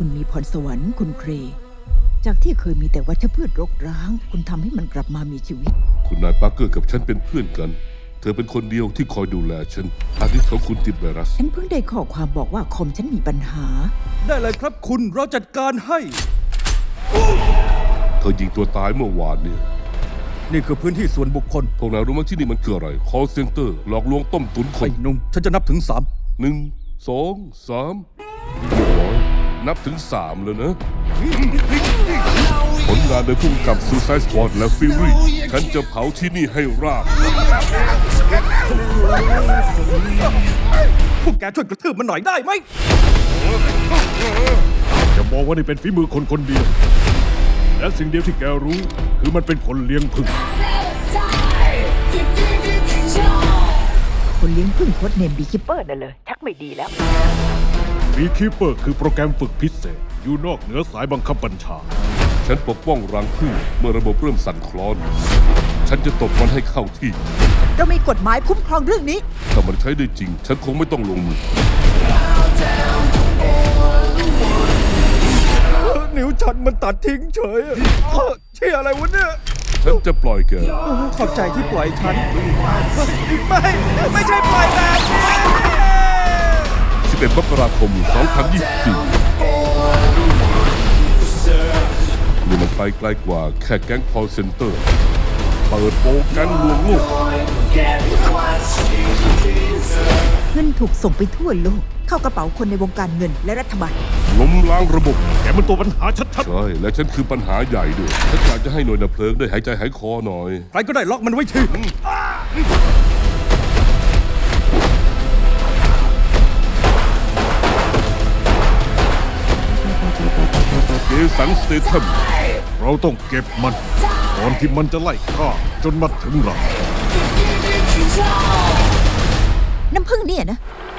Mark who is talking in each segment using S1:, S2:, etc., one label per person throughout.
S1: คุณมีพรสวรรค์คุณเครจากที่เคยมีแต่วัชพืชรกร้างคุณทำให้มันกลับมามีชีวิต
S2: คุณนายปาร์เกอร์กับฉันเป็นเพื่อนกันเธอเป็นคนเดียวที่คอยดูแลฉันอาทิตย์ของคุณติดไวรัส
S1: ฉันเพิ่งได้ข้อความบอกว่าคอมฉันมีปัญหา
S3: ได้เลยครับคุณเราจัดการให้
S2: เธอยิงตัวตายเมื่อวานเนี่ย
S3: นี่คือพื้นที่ส่วนบุคคล
S2: พวกนายรู้ไหมที่นี่มันคืออะไร call center หลอกลวงต้มตุ๋นค
S3: ไอ้
S2: น
S3: หนุ่มฉันจะนับถึง3
S2: 1 2 3เรียบร้อยนับถึง3แล้วนะผลงานโดยผู้กำกับ Suicide Squad และ Fury ฉันจะเผาที่นี่ให้ราบ
S3: พวกแกช่วยกระทืบมันหน่อยได้ไหม
S4: จะมองว่านี่เป็นฝีมือคนคนเดียวและสิ่งเดียวที่แกรู้คือมันเป็นคนเลี้ยงผึ้ง
S1: คนเลี้ยงพึ่งโค้ดเนมบีคิปเปอร์นั่นเลยชักไม่ดีแล้ว
S4: บีคีเปอร์คือโปรแกรมฝึกพิเศษอยู่นอกเหนือสายบังคับบัญชา
S2: ฉันปกป้องรังผึ้งเมื่อระบบเริ่มสั่นคลอนฉันจะตบมันให้เข้าที่
S1: เรามีกฎหมายคุ้มครองเรื่องนี้
S2: ถ้ามันใช้ได้จริงฉันคงไม่ต้องลงมือ
S3: นิ้วฉันมันตัดทิ้งเฉยเชี่ยอะไรวะเนี่ย
S2: ฉันจะปล่อยแก
S3: ขอบใจที่ปล่อยฉันไม่ใช่ปล่อยแบบนี้
S2: 11 มกราคม 2024นี่มันไปไกลกว่าแค่แก๊ง call center เปิดโปงแก๊งลวงลูก
S1: เงินถูกส่งไปทั่วโลกเข้ากระเป๋าคนในวงการเงินและรัฐบาล
S2: ล้มล้างระบบ
S4: แกมันตัวปัญหาชัด
S2: ๆใช่และฉันคือปัญหาใหญ่ด้วยฉันอยากจะให้หน่วยดับเพลิงได้หายใจหายคอหน่อย
S3: ใครก็ได้ล็อกมันไว้ที
S2: เจสันสเตทัม
S4: เราต้องเก็บมันก่อนที่มันจะไล่ฆ่าจนมาถึงเรา
S1: น้ำผึ้งเนี่ยนะ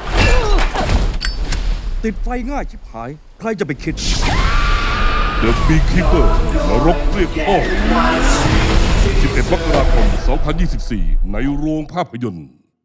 S3: ติดไฟง่ายชิบหายใครจะไปคิด
S2: The Beekeeper นรกเรียกพ่อ11 มกราคม 2024 ในโรงภาพยนตร์